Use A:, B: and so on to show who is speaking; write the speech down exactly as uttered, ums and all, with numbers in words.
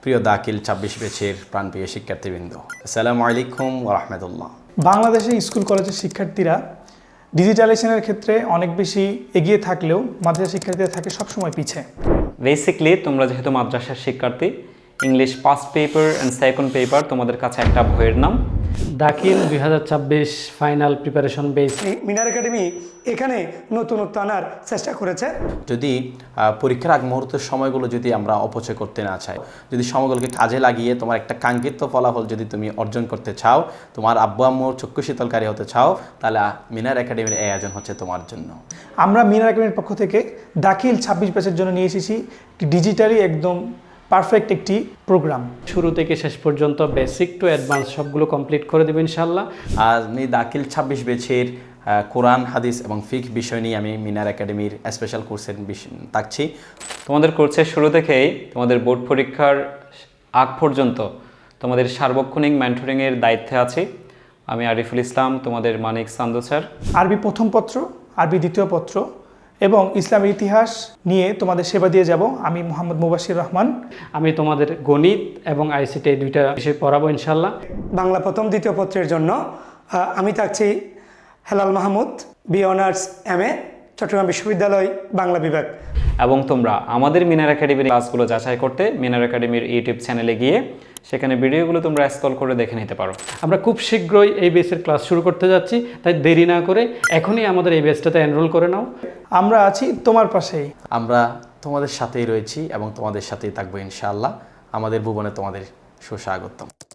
A: প্রিয় দাখিল ছাব্বিশ ব্যাচের প্রাণপ্রিয় শিক্ষার্থীবৃন্দ, আসসালামু আলাইকুম ওয়া রাহমাতুল্লাহ।
B: বাংলাদেশে স্কুল কলেজের শিক্ষার্থীরা ডিজিটালাইজেশনের ক্ষেত্রে অনেক বেশি এগিয়ে থাকলেও মাদ্রাসা শিক্ষার্থীরা থাকে সবসময় পিছে।
C: বেসিকলি তোমরা যেহেতু মাদ্রাসার শিক্ষার্থী, English first paper and second paper তোমাদের কাছে একটা বইয়ের নাম।
D: দাখিল দুই হাজার ছাব্বিশ final preparation base.
E: Minar academy এখানে নতুনত্ব আনার চেষ্টা করেছে।
A: যদি পরীক্ষার আগ মুহূর্তের সময়গুলো যদি আমরা অপচয় করতে না চাই, যদি সময়গুলোকে কাজে লাগিয়ে তোমার একটা কাঙ্ক্ষিত ফলাফল যদি তুমি অর্জন করতে চাও, তোমার আব্বু আম্মুর চক্ষু শীতলকারী হতে চাও, তাহলে মিনার একাডেমির এই আয়োজন হচ্ছে তোমার জন্য।
B: আমরা মিনার একাডেমির পক্ষ থেকে দাখিল ছাব্বিশ ব্যাচের জন্য নিয়ে এসেছি ডিজিটালি একদম পারফেক্ট একটি প্রোগ্রাম।
D: শুরু থেকে শেষ পর্যন্ত বেসিক টু অ্যাডভান্স সবগুলো কমপ্লিট করে দেবো ইনশাল্লাহ।
A: আর আমি দাখিল ছাব্বিশ ব্যাচের কোরআন, হাদিস এবং ফিক বিষয় নিয়ে আমি মিনার একাডেমির স্পেশাল কোর্সের থাকছি।
C: তোমাদের কোর্সের শুরু থেকেই তোমাদের বোর্ড পরীক্ষার আগ পর্যন্ত তোমাদের সার্বক্ষণিক মেন্টরিংয়ের দায়িত্বে আছি আমি আরিফুল ইসলাম, তোমাদের মানিক সান্দু স্যার।
B: আরবি প্রথম পত্র, আরবি দ্বিতীয় পত্র এবং ইসলামের ইতিহাস নিয়ে তোমাদের সেবা দিয়ে যাব আমি মোহাম্মদ মুবাশির রহমান।
D: আমি তোমাদের গণিত এবং আইসিটি এই দুইটা বিষয় পড়াবো ইনশাল্লাহ।
E: বাংলা প্রথম দ্বিতীয় পত্রের জন্য আহ, আমি থাকছি Helal Mahmud, B honours M A, Chattogram বিশ্ববিদ্যালয় বাংলা বিভাগ।
C: এবং তোমরা আমাদের মিনার একাডেমির ক্লাসগুলো যাচাই করতে মিনার একাডেমির ইউটিউব চ্যানেলে গিয়ে সেখানে ভিডিওগুলো তোমরা স্ক্রল করে দেখে নিতে পারো।
D: আমরা খুব শীঘ্রই এই বেসের ক্লাস শুরু করতে যাচ্ছি, তাই দেরি না করে এখনই আমাদের এই বেসটাতে এনরোল করে নাও।
B: আমরা আছি তোমার পাশেই।
A: আমরা তোমাদের সাথেই রয়েছি এবং তোমাদের সাথেই থাকবো ইনশাআল্লাহ। আমাদের ভুবনে তোমাদের সুস্বাগতম।